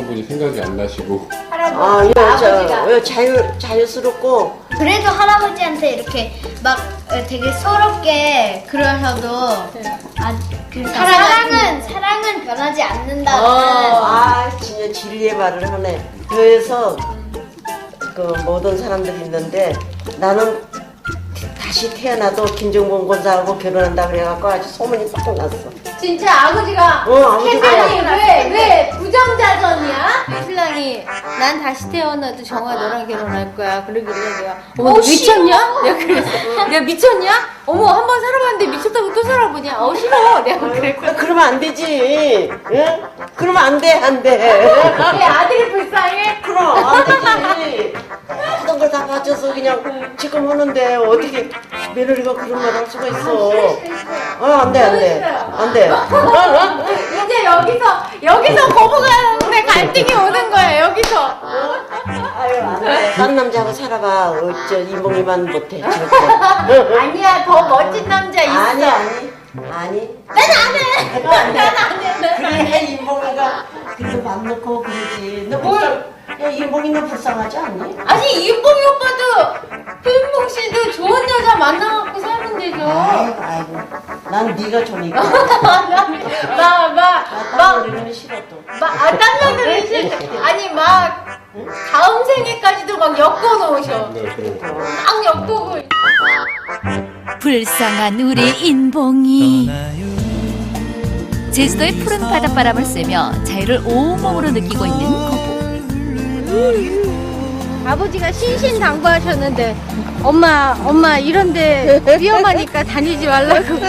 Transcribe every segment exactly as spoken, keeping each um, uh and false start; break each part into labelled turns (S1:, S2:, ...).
S1: 분이 생각이 안 나시고.
S2: 아, 예, 저, 왜 자유, 자유스럽고.
S3: 그래도 할아버지한테 이렇게 막 되게 서럽게 그러셔도 아, 그러니까 사랑은 사랑은 변하지 않는다는.
S2: 어, 아, 진짜 진리의 말을 하네. 교회에서 그 모든 사람들이 있는데 나는 다시 태어나도 김정봉 권사하고 결혼한다 그래갖고 아주 소문이 싹 났어.
S4: 진짜 아버지가
S2: 어, 아버지가.
S4: 아니 왜 왜 부정자전이야? 신랑이 난 다시 태어나도 정아 너랑 결혼할 거야. 그러길래 내가 어머 너 미쳤냐? 내가 그랬어. 내가 미쳤냐? 어머 한 번 살아봤는데 미쳤다고 또 살아보냐? 어 싫어. 내가 그랬거든.
S2: 아, 그러면 안 되지. 응? 그러면 안 돼, 안 돼.
S4: 왜 아들이 불쌍해?
S2: 그럼 안 되지. 하던 걸 다 가져서 그냥 지금 하는데 어떻게 며느리가 그런 말 할 수가 있어. 어, 안 돼, 안 돼. 안 돼.
S4: 이제 여기서 여기서 거부가는데 갈등이 오는 거야 여기서.
S2: 아유, 안 돼. 다른 남자하고 살아봐. 어째 이몽이만 못해. 절대.
S4: 아니야 더 멋진 남자 있어.
S2: 아니, 아니. 아니.
S4: 난 안 해. 난 안 해.
S2: 그래, 이몽이가 그래도 맘 놓고 그러지. 너 불쌍, 야, 이몽이 너 불쌍하지 않니?
S4: 아니 이봉이 오빠도 표인봉 씨도 좋은 여자 만나갖고 살면 되죠.
S2: 아이고, 아이고. 난 네가 좋으니까.
S4: 막막막
S2: 나 우리는 싫어 또.
S4: 아, 딴 며느리 싫 아니 막 다음 생에까지도 막 엮어놓으셔.
S1: 네, 그럼.
S4: 막 엮고
S5: 불쌍한 우리 인봉이. 제주도의 푸른 바닷바람을 쐬며 자유를 온몸으로 느끼고 있는 거부.
S4: 아버지가 신신당부하셨는데 엄마 엄마 이런데 위험하니까 다니지 말라고.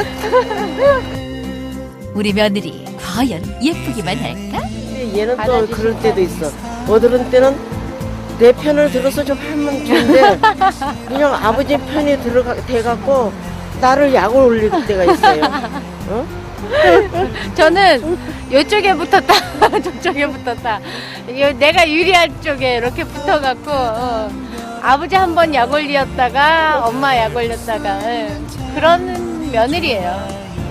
S5: 우리 며느리 과연 예쁘기만 할까?
S2: 얘는 또 그럴 때도 있어. 어떤 때는 내 편을 들어서 좀 하면 좋은데 그냥 아버지 편이 들어가 돼갖고 나를 약을 올릴 때가 있어요. 어?
S4: 저는 이쪽에 붙었다 저쪽에 붙었다. 이거 내가 유리한 쪽에 이렇게 붙어갖고 어. 아버지 한 번 약 올렸다가 엄마 약 올렸다가 예. 그런 며느리예요.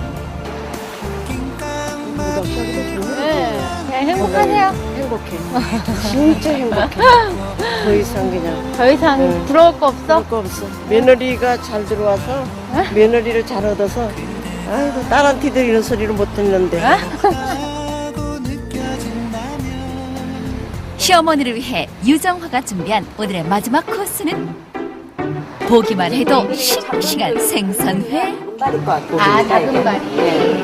S4: 예. 그냥 행복하세요.
S2: 행복해. 진짜 행복해. 더 이상 그냥
S4: 더 이상
S2: 응.
S4: 부러울 거 없어?
S2: 그럴 거 없어. 며느리가 잘 들어와서 며느리를 잘 얻어서 아이고 딸한테도 이런 소리를 못 듣는데.
S5: 시어머니를 위해 유정화가 준비한 오늘의 마지막 코스는 보기만 해도 싱싱한 생선회.
S4: 아 다금바리.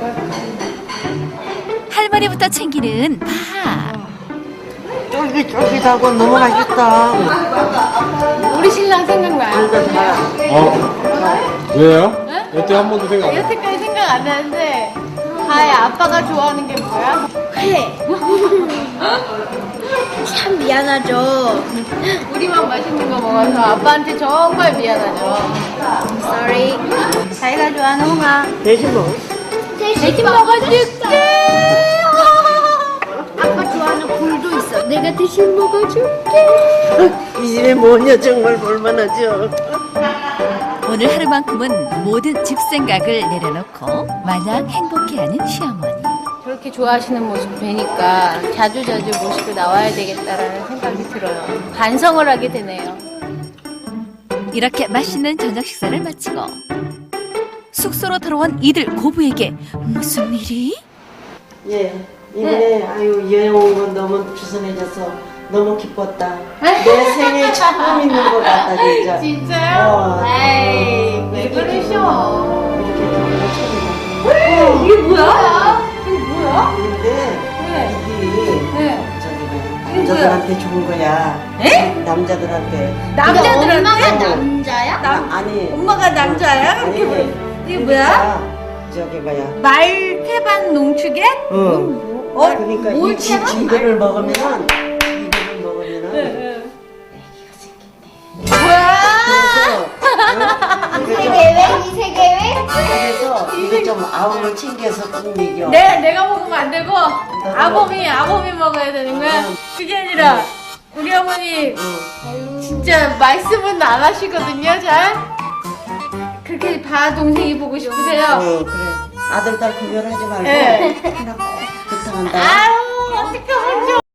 S5: 할머니부터 챙기는 파.
S2: 쫄깃쫄깃하고 너무 맛있다.
S4: 우리 신랑 생각나요?
S1: 어? 왜요? 여태 한 번도 생각 안 나.
S4: 여태까지 생각 안 나는데 다혜 아빠가 좋아하는 게 뭐야?
S3: 회. 참 미안하죠.
S4: 우리만 맛있는 거 먹어서 아빠한테 정말 미안하죠.
S3: Sorry.
S4: 자기가 좋아하는 홍아
S2: 대신 먹어.
S4: 대신 먹어줄게.
S3: 아빠 좋아하는 굴도 있어. 내가 대신 먹어줄게.
S2: 이 집에 뭐냐 정말 볼만하죠.
S5: 오늘 하루만큼은 모든 집생각을 내려놓고 마냥 행복해하는 시어머니.
S4: 저렇게 좋아하시는 모습 뵈니까 자주자주 모시고 나와야 되겠다라는 생각이 들어요. 반성을 하게 되네요.
S5: 이렇게 맛있는 저녁 식사를 마치고 숙소로 돌아온 이들 고부에게 무슨 일이?
S2: 예, 이번에 아유 여행 온 건 너무 주선해져서 너무 기뻤다. 내 생애 처음 있는 것 같다 진짜.
S4: 진짜요?
S2: 어,
S4: 에이, 왜
S2: 이렇게
S4: 그러셔?
S2: 이렇게 되는 거 처음이다.
S4: 이게 뭐야? 이게 뭐야?
S2: 근데
S4: 네.
S2: 이게
S4: 네.
S2: 저기 남자들한테 좋은 거야.
S4: 에?
S2: 남자들한테.
S4: 남자들한테?
S3: 엄마가 남자야?
S2: 나, 아니.
S4: 엄마가 남자야?
S2: 아니,
S4: 이게 뭐- 이게 뭐야?
S2: 그러니까 저기 뭐야.
S4: 말태반 농축액?
S2: 응.
S4: 어?
S2: 그러니까
S4: 뭘
S2: 이, 이, 이거를 먹으면은 이거를 먹으면은
S4: 뭐야?
S2: 그래서
S3: 세계회? 이 세계회?
S2: 그래서 이거 좀 아웅을 챙겨서 좀 먹여.
S4: 내, 내가 먹으면 안 되고 아범이 아범이 먹어야 되는 거야? 그게 아니라 우리 어머니
S2: 응.
S4: 진짜 말씀은 안 하시거든요 잘? 그렇게 바 동생이 보고 싶으세요?
S2: 어, 그래. 아들 딸 구별하지 말고
S4: 네.
S2: 하나 꼭 부탁한다.
S4: 아유 어떡하면 좋아.